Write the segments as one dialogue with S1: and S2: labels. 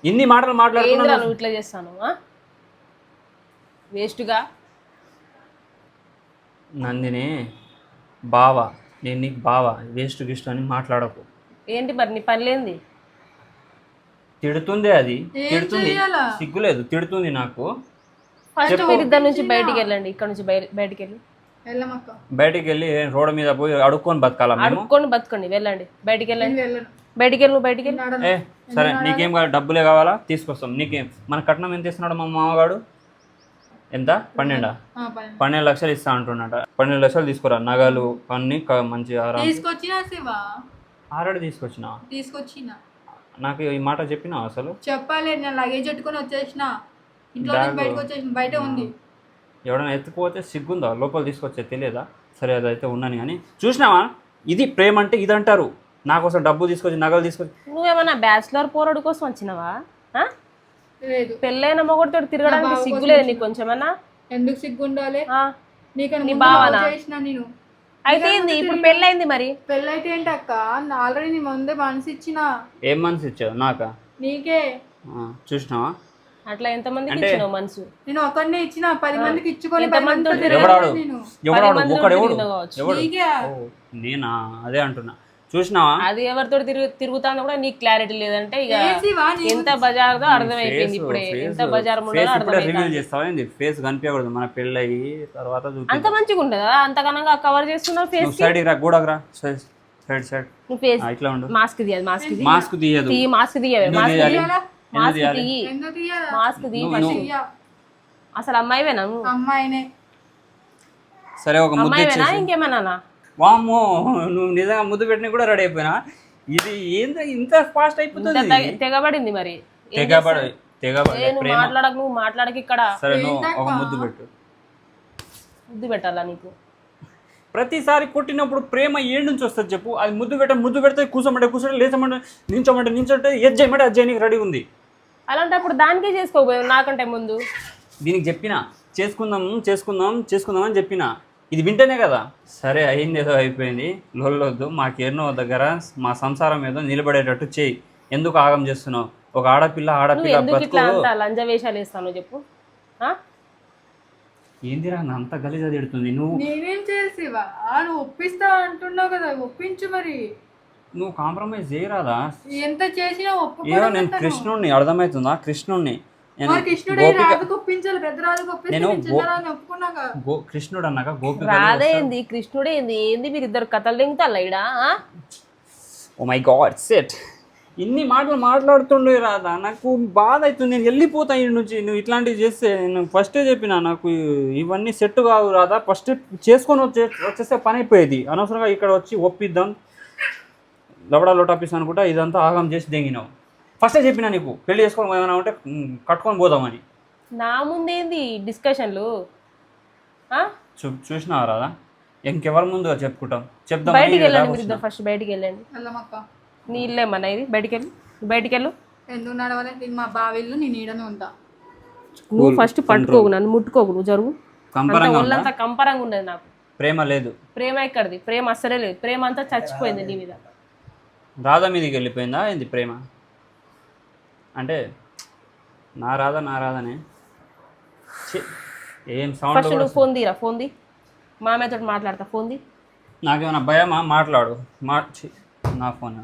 S1: ఇన్ని మాటలు మాట్లాడుతున్నాను.
S2: నువ్వు ఇట్లా చేస్తాను వేస్ట్గా.
S1: నందిని బావా, నేను నీకు బావా, వేస్ట్ గిస్ట్ అని మాట్లాడకు.
S2: ఏంటి మరి నీ పని లేనిది?
S1: తిడుతుంది, అది తిడుతుంది, సిగ్గులేదు, తిడుతుంది నాకు.
S2: ఫస్ట్ మీరు ఇద్దరు నుంచి బయటికి వెళ్ళండి, ఇక్కడ నుంచి బయటికి వెళ్ళి
S1: బయటికి వెళ్ళి రోడ్డు మీద పోయి అడుక్కొని బతకాలా?
S2: అడుక్కొని బతకండి, వెళ్ళండి, బయటికి వెళ్ళండి. బయటికి వెళ్ళి నువ్వు బయటికి వెళ్ళి.
S1: సరే, నీకేం కావాలి? డబ్బులే కావాలా? తీసుకొస్తాం. నీకేం? మన కట్నం ఎంత ఇస్తున్నాడు మా మామగాడు? ఎంత? 12 లక్షలు ఇస్తా అంటున్నాట. 12 లక్షలు తీసుకురా, నగలు అన్ని మంచి ఆల్రెడీ తీసుకొచ్చినా. నాకు ఈ మాట చెప్పినా అసలు?
S3: చెప్పాలి. నేను లగేజ్ పెట్టుకొని వచ్చేసిన, ఇంట్లో బయటకు వచ్చేసిన, బయట ఉంది.
S1: ఎవడైనా ఎత్తుకుపోతే సిగ్గుందా? లోపల తీసుకొచ్చే తెలియదా? సరే, అదైతే ఉన్నాను కానీ చూసినావా, ఇది ప్రేమ అంటే ఇది అంటారు. నా కోసం డబ్బు తీసుకొచ్చి, నగలు తీసుకొచ్చి.
S2: నువ్వేమన్నా బ్యాచిలర్ పోరాడు కోసం వచ్చినావా? పెళ్ళైన మొగుడితో తిరగడానికి సిగ్గు లేదు నీకు కొంచెమన్నా?
S3: ఎందుకు సిగ్గు ఉండాలి?
S2: నీ బావనా? నేను అయితే ఇప్పుడు పెళ్ళైంది, మరి
S3: పెళ్ళైతే ఏంటి అక్క? ఆల్రెడీ నీ ముందే మనసు ఇచ్చిన.
S1: ఏం మనసు ఇచ్చావు? నాకా?
S3: నీకే.
S1: చూసినావా?
S2: అట్లా ఎంతమందికి ఇచ్చినావు మనసు?
S3: నేను ఒకరినే ఇచ్చిన, 10 మందికి ఇచ్చుకొని
S1: నేనా? అదే అంటున్నా. చూసినావా?
S2: అది ఎవరితో తిరుగుతానో కూడా నీకు క్లారిటీ లేదంటే ఇక ఎంత బజార్దో అర్థమైపోయింది. ఇప్పుడే ఎంత బజార్
S1: చేస్తావా? ఫేస్ కనిపించకూడదు మన పెళ్ళయి తర్వాత.
S2: అంత మంచిగా ఉంటుందా? అంతకనంగా కవర్ చేస్తున్నావు ఫేస్.
S1: సైడ్ రా, గూడరా, సైడ్ సైడ్.
S2: ఇట్లా ఉండు. మాస్క్ తీయదు, మాస్క్
S1: తీయదు,
S2: మాస్క్ తీయవే, మాస్క్ తీయి. అసలు అమ్మాయివేనా నువ్వు?
S3: అమ్మాయినే.
S1: సరే, ఒక
S2: అమ్మాయివేనా ఇంకేమన్నా?
S1: వామ్మో, నువ్వు నిజంగా ముద్దు పెట్టిన కూడా రెడీ అయిపోయినా. ఇది ఏంటో ఇంత ఫాస్ట్ అయిపోతుంది?
S2: తెగబడింది మరి. మాట్లాడక, నువ్వు మాట్లాడక ఇక్కడ.
S1: సరే, నువ్వు ఒక ముద్దు పెట్టు.
S2: ముద్దు పెట్టాలా నీకు?
S1: ప్రతిసారి కొట్టినప్పుడు ప్రేమ ఏడు నుంచి వస్తుంది చెప్పు? అది ముద్దు పెడితే కూర్చోమంటే లేచమంటే నించోమంటే ఏది చేయమంటే అది చేయడానికి రెడీ ఉంది.
S2: అలాంటప్పుడు దానికే చేసుకోకపోయావు నాకంటే ముందు.
S1: దీనికి చెప్పినా చేసుకుందాం అని చెప్పినా. ఇది వింటేనే కదా. సరే, అయింది, ఏదో అయిపోయింది, లొల్లొద్దు. మాకేనో దగ్గర మా సంసారం ఏదో నిలబడేటట్టు చేయి. ఎందుకు ఆగం చేస్తున్నావు? ఒక ఆడపిల్ల
S2: లంజ వేషాలు వేస్తాను చెప్పు.
S1: ఏందిరా అంత గలీజా తిడుతుంది? నువ్వు
S3: నేనేం చేసేవా? నువ్వు ఒప్పిస్తా అంటున్నావు కదా, ఒప్పించు. మరి
S1: నువ్వు కాంప్రమైజ్ చేయరాదా?
S3: ఎంత చేసినా
S1: ఏదో నేను కృష్ణుడిని, అర్థమవుతుందా? కృష్ణుడిని కృష్ణుడు అన్నాక గోపి
S2: రాదేంది? కృష్ణుడే ఏంది? మీరు ఇద్దరు కథలు దింగుతారా ఇడా?
S1: Oh my god, set. ఇన్ని మాటలు మాట్లాడుతుండే రాదా? నాకు బాధ అవుతుంది. నేను వెళ్ళిపోతా ఈ నుంచి. నువ్వు ఇట్లాంటివి చేస్తే నేను ఫస్టే చెప్పినా, నాకు ఇవన్నీ సెట్ కావు రాదా. ఫస్ట్ చేసుకొని వచ్చేస్తే పని అయిపోయేది. అనవసరంగా ఇక్కడ వచ్చి ఒప్పిద్దాం, లవడా లోటాపిస్ అనుకుంటా ఇదంతా ఆగం చేసి దెంగినావు. ఫస్టే చెప్పినా నీకు పెళ్లి చేసుకోవడం ఏమైనా ఉంటే కట్టుకొని పోదామని.
S2: నా ముందేంది డిస్కషన్లు?
S1: చూసినావా రాదా? ఇంకెవరి ముందుగా చెప్పుకుంటాం? చెప్దాం.
S2: బయటికి వెళ్ళండి మీరు ఇద్దరు, ఫస్ట్ బయటికి వెళ్ళండి. నీ ఇల్లేమన్నా ఇది? బయటికి వెళ్ళు.
S3: ఎందుకు నడవాలి? మా బావిల్లు నేను ఈడనే ఉంటా.
S2: నువ్వు ఫస్ట్ పట్టుకోకు, నన్ను ముట్టుకోకు, నువ్వు జరుగు. ఒళ్ళంతా కంపరంగా ఉండదు నాకు.
S1: ప్రేమ లేదు.
S2: ప్రేమ ఎక్కడిది? ప్రేమ అస్సలే లేదు. ప్రేమ అంతా చచ్చిపోయింది నీ మీద.
S1: రాధా మీదకి వెళ్ళిపోయిందా ఏంది ప్రేమ? అంటే నా రాధనే. ఏం సౌండ్?
S2: ఫస్ట్ నువ్వు ఫోన్ తీరా, ఫోన్ తీ. మామయ్యతో మాట్లాడతా, ఫోన్ తీ.
S1: నాకేమైనా భయమా? మాట్లాడు. నా ఫోన్.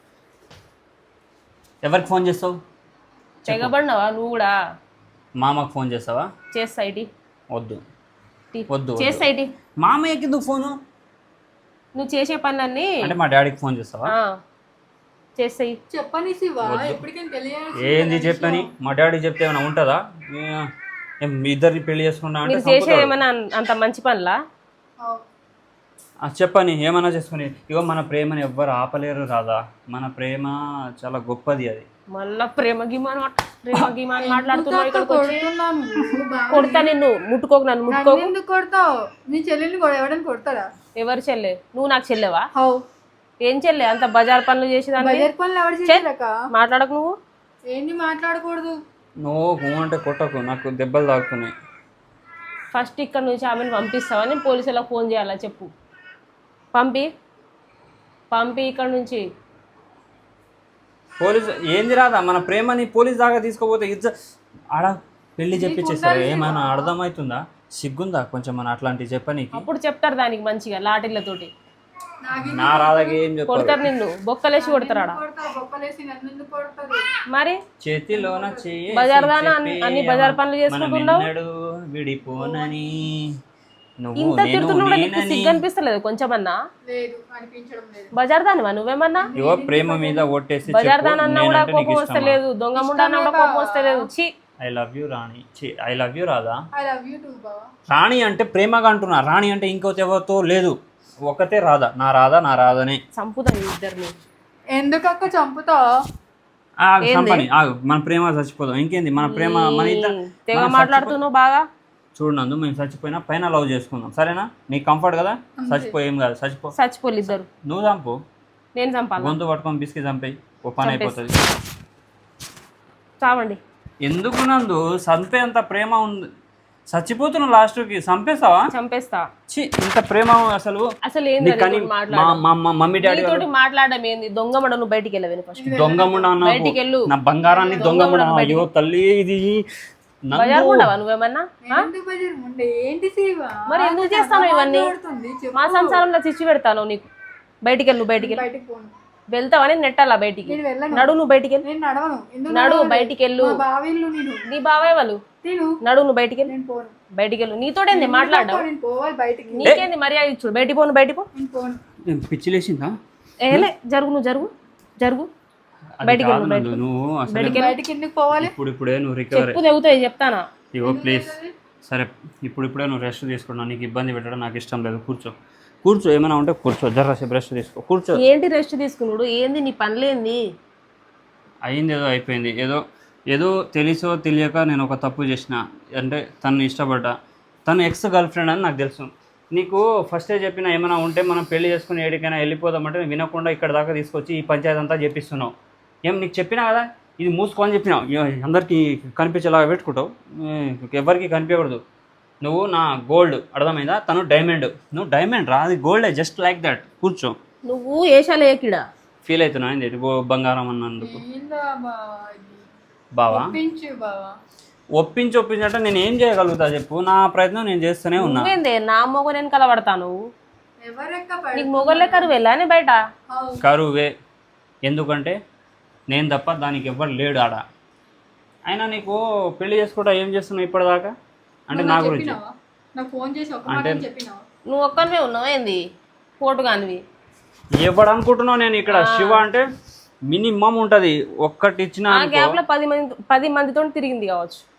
S1: ఎవరికి ఫోన్ చేస్తావు?
S2: తెగబడినావా నువ్వు కూడా?
S1: మామకు ఫోన్ చేస్తావా?
S2: చేస్తా. ఇటీ
S1: వద్దు
S2: చేస్తా. ఇటీ
S1: మామయ్యకి ఎందుకు ఫోను?
S2: నువ్వు చేసే పనులన్నీ
S1: అంటే మా డాడీకి ఫోన్ చేస్తావా?
S2: చేస్తాయి.
S3: చెప్పని
S1: ఏంది చెప్పని? మా డాడీ చెప్తే ఏమైనా ఉంటుందా? మీ ఇద్దరిని పెళ్లి చేసుకున్నా అంటే
S2: చేసే ఏమైనా అంత మంచి పనులా?
S1: చెప్పని ఏమన్నా చేసుకుని. ఇగో మన ప్రేమని ఎవ్వరు ఆపలేరు రాదా. మన ప్రేమ చాలా గొప్పది. అది
S2: మళ్ళా ప్రేమ గిమాన్ మాట్లాడుతున్నావు. ఇక్కడ కొడతా నిన్ను. ముట్టుకోకు, నన్ను ముట్టుకోకు.
S3: ఎందుకు కొడతావు? నీ చెల్లెల్ని ఎవడని కొడతారా?
S2: ఎవరు చెల్లె? నువ్వు నాకు చెల్లెవా? ఏం చెల్లె? అంత బజార్ పనులు చేసేదాన్ని. మాట్లాడకు నువ్వు.
S3: ఏంటి మాట్లాడకూడదు?
S2: నువ్వు
S1: అంటే కొట్టకు, నాకు దెబ్బలు తాకుతున్నాయి.
S2: ఫస్ట్ ఇక్కడ నుంచి ఆమెను పంపిస్తావా? నేను పోలీసులకు ఫోన్ చేయాలా చెప్పు. పంపి ఇక్కడ నుంచి.
S1: పోలీసు ఏంది రాదా, మన ప్రేమని పోలీస్ దాకా తీసుకోపోతే ఆడ పెళ్లి చెప్పించేస్తారు. ఏమైనా అర్థమవుతుందా? సిగ్గుందా కొంచెం మన అట్లాంటివి చెప్పనీకి?
S2: అప్పుడు చెప్తారు దానికి మంచిగా లాటిళ్ళతోటి.
S1: నా రాధకి ఏం చెప్తారు?
S2: కొడతారు నిన్ను, బొక్కలేసి కొడతారు ఆడ. మరి
S1: చేతిలోన చెయ్యి
S2: బజార్ దానా అన్ని బజార్ పనులు చేసుకుంటున్నావు.
S1: విడిపోనని
S2: ఇంత తిడుతున్నా కూడా నీకు సిగ్గు అనిపిస్తలేదు కొంచెమన్నా? బజార్ దానివా నువ్వేమన్నా?
S1: ఇవో ప్రేమ మీద ఓట్టేసి
S2: బజార్ దాని అన్నా కూడా కోపం వస్తలేదు, దొంగ ముండా అన్నా కూడా కోపం వస్తలేదు. ఛీ,
S1: I love you Rani. I love you Radha? Rani అంటే ప్రేమగా అంటున్నా, రాణి అంటే ఇంకోటి ఎవరితో లేదు, ఒకతే రాధా. నా రాధనే
S2: చంపుతాను ఇద్దరిని.
S3: ఎందుకక్క చంపుతా?
S1: చంపని ఆగు, మన ప్రేమ చచ్చిపోదాం. ఇంకేంది మన ప్రేమ, మన ఇద్దరు
S2: తెగ మాట్లాడుతున్నావు బాగా.
S1: చూడనందు, మేము చచ్చిపోయినా పైన లవ్ చేసుకుందాం, సరేనా? నీకు కంఫర్ట్ కదా? ఏం కాదు,
S2: చచ్చిపోలు ఇద్దరు.
S1: నువ్వు చంపు,
S2: నేను చంపాలి.
S1: గొంతు పట్టుకొని బిస్కి చంపేయి, ఓ పని అయిపోతుంది.
S2: చావండి.
S1: ఎందుకు నందు, చంపేంత ప్రేమ ఉంది, చచ్చిపోతున్నావు లాస్ట్కి, చంపేస్తావా?
S2: చంపేస్తా.
S1: ఇంత ప్రేమ అసలు
S2: ఏంది
S1: మమ్మీ డాడీ
S2: తోటి మాట్లాడడం ఏంది? దొంగ నువ్వు బయటికి వెళ్ళవేను ఫస్ట్.
S1: దొంగముండా
S2: బయటికి వెళ్ళు.
S1: నా బంగారాన్ని దొంగముండా. అయ్యో తల్లి, ఇది
S2: బజార్ ఉండవా నువ్వేమన్నా? మరి ఎందుకు చేస్తాను ఇవన్నీ? మా సంసారంలో చిచ్చి పెడతాను నీకు. బయటికి వెళ్ళు, బయటికి వెళ్తావని నెట్టాలా బయటికి? నడు, నువ్వు బయటికి వెళ్ళి నడు, బయటికి వెళ్ళు. నీ బావే వాళ్ళు నడు, నువ్వు బయటికి వెళ్ళి బయటికి వెళ్ళు. నీతోటేంది మాట్లాడడం? నీకేంది మర్యాద ఇచ్చుడు? బయటికి పోను, బయటికి పో.
S1: పిచ్చి లేచిందా?
S2: ఏలే, జరుగు, నువ్వు జరుగు బయటికి వెళ్ళు.
S1: ఇప్పుడే నువ్వు రికవర్
S2: చెప్పు తెగుతాయి చెప్తానా?
S1: ఇగో ప్లీజ్, సరే ఇప్పుడే నువ్వు రెస్ట్ తీసుకున్నావు. నీకు ఇబ్బంది పెట్టడం నాకు ఇష్టం లేదు. కూర్చో, ఏమైనా ఉంటే కూర్చో, జర్రాసేపు రెస్ట్ తీసుకో, కూర్చో.
S2: ఏంటి రెస్ట్ తీసుకున్నాడు? ఏంది నీ పనులేంది?
S1: అయింది ఏదో అయిపోయింది. ఏదో తెలుసో తెలియక నేను ఒక తప్పు చేసిన. అంటే తను ఇష్టపడ్డా, తను ఎక్స్ గర్ల్ ఫ్రెండ్ అని నాకు తెలుసు. నీకు ఫస్టే చెప్పిన ఏమైనా ఉంటే మనం పెళ్లి చేసుకుని ఎక్కడికైనా వెళ్ళిపోదామంటే వినకుండా ఇక్కడ దాకా తీసుకొచ్చి ఈ పంచాయతీ అంతా చెప్పిస్తున్నావు. ఏం నీకు చెప్పినా కదా, ఇది మూసుకోని చెప్పినావు. అందరికీ కనిపించేలాగా పెట్టుకుంటావు, ఎవరికి కనిపించకూడదు. నువ్వు నా గోల్డ్, అర్థమైందా? తను డైమండ్, నువ్వు డైమండ్ రా, అది గోల్డే, జస్ట్ లైక్ దట్. కూర్చో.
S2: నువ్వు ఏషాలేకిడా
S1: ఫీల్ అవుతున్నా ఏంటి బంగారం అన్నందుకు? బావా ఒప్పించంటే నేను ఏం చేయగలుగుతా చెప్పు? నా ప్రయత్నం నేను చేస్తూనే ఉన్నా.
S2: నా మొగ నేను కలబడతాను. నీకు మొగలే కరువేలా బయట?
S1: కరువే, ఎందుకంటే నేను తప్ప దానికి ఎవ్వరు లేడు ఆడ. అయినా నీకు పెళ్లి చేసుకుంటా ఏం చేస్తున్నావు ఇప్పటిదాకా? అంటే నా గురించి అంటే
S2: నువ్వు ఒక్కనివే ఉన్నావు ఏంది? పోటుగానివి
S1: ఎవడు అనుకుంటున్నావు? నేను ఇక్కడ శివ అంటే మినిమం ఉంటుంది, ఒక్కటి ఇచ్చిన
S2: 10 మందితో తిరిగింది కావచ్చు.